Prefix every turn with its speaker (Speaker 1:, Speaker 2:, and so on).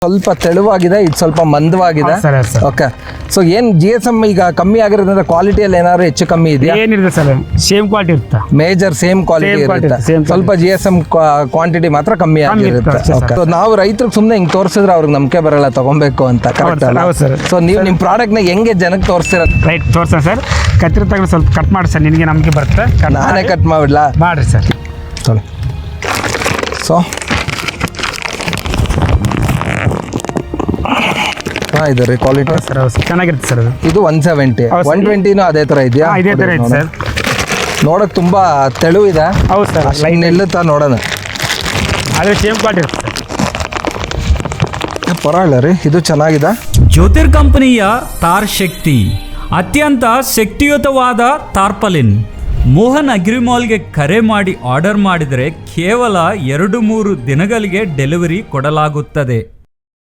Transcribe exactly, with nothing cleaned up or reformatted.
Speaker 1: ಸ್ವಲ್ಪ ತೆಳುವಾಗಿದೆ, ಇದು ಸ್ವಲ್ಪ ಮಂದವಾಗಿದೆ. ಓಕೆ, ಸೊ ಏನ್ ಜಿ ಎಸ್ ಎಮ್ ಈಗ ಕಮ್ಮಿ ಆಗಿರೋದ್ರಿಂದ ಕ್ವಾಲಿಟಿಯಲ್ಲಿ ಏನಾದ್ರು ಹೆಚ್ಚು ಕಮ್ಮಿ ಇದೆಯಾ?
Speaker 2: ಏನಿರುತ್ತೆ ಸರ್, ಸೇಮ್ ಕ್ವಾಲಿಟಿ ಇರುತ್ತೆ.
Speaker 1: ಮೇಜರ್ ಸೇಮ್ ಕ್ವಾಲಿಟಿ ಇರುತ್ತೆ, ಸ್ವಲ್ಪ ಜಿ ಎಸ್ ಎಮ್ ಕ್ವಾಂಟಿಟಿ ಮಾತ್ರ ಕಮ್ಮಿ ಆಗಿರುತ್ತೆ. ಓಕೆ, ಸೊ ನಾವು ರೈತರಿಗೆ ಸುಮ್ಮನೆ ಹಿಂಗೆ ತೋರಿಸಿದ್ರೆ ಅವ್ರಿಗೆ ನಂಬಿಕೆ ಬರಲ್ಲ ತಗೊಂಬೇಕು ಅಂತ, ಕರೆಕ್ಟ್ ಅಲ್ಲ? ಸೊ ನೀವು ನಿಮ್ಮ ಪ್ರಾಡಕ್ಟ್ನ ಹೆಂಗೆ ಜನಕ್ಕೆ ತೋರಿಸ್ತೀರ?
Speaker 2: ರೈಟ್, ತೋರಿಸ ಸರ್. ಕತ್ತಿರ ತಗೊಂಡು ಸ್ವಲ್ಪ ಕಟ್ ಮಾಡಿ ಸರ್, ನಿನಗೆ ನಂಬಿಕೆ ಬರುತ್ತೆ.
Speaker 1: ನಾನೇ ಕಟ್ ಮಾಡಿಬಿಡ್ಲಾ?
Speaker 2: ಮಾಡಿರಿ ಸರ್.
Speaker 1: ತೊಳಿ. ಸೊ ಇದು ರೀ ಕ್ವಾಲಿಟಿ
Speaker 2: ಸರ್, ಚೆನ್ನಾಗಿರುತ್ತೆ ಸರ್.
Speaker 1: ಇದು ಒನ್ ಸೆವೆಂಟಿ ಒನ್ ಟ್ವೆಂಟಿನೂ ಅದೇ ಥರ ಇದೆಯಾ?
Speaker 2: ಇದೇ ಥರ ಇದೆ ಸರ್.
Speaker 1: ನೋಡೋಕೆ ತುಂಬ ತೆಳು ಇದೆ.
Speaker 2: ಹೌದು ಸರ್,
Speaker 1: ಲೈನ್ ನಿಲ್ಲುತ್ತಾ ನೋಡೋಣ.
Speaker 2: ಅದೇ ಸೇಮ್ ಕ್ವಾಲಿಟಿ ಇರುತ್ತೆ
Speaker 1: ಪರವಾಗಿಲ್ಲ ರೀ, ಇದು ಚೆನ್ನಾಗಿದೆ.
Speaker 3: ಜ್ಯೋತಿರ್ ಕಂಪನಿಯ ತಾರ್ ಶಕ್ತಿ ಅತ್ಯಂತ ಶಕ್ತಿಯುತವಾದ ತಾರ್ಪಲಿನ್. ಮೋಹನ್ ಅಗ್ರಿಮಾಲ್ಗೆ ಕರೆ ಮಾಡಿ ಆರ್ಡರ್ ಮಾಡಿದರೆ ಕೇವಲ ಎರಡು ಮೂರು ದಿನಗಳಿಗೆ ಡೆಲಿವರಿ ಕೊಡಲಾಗುತ್ತದೆ.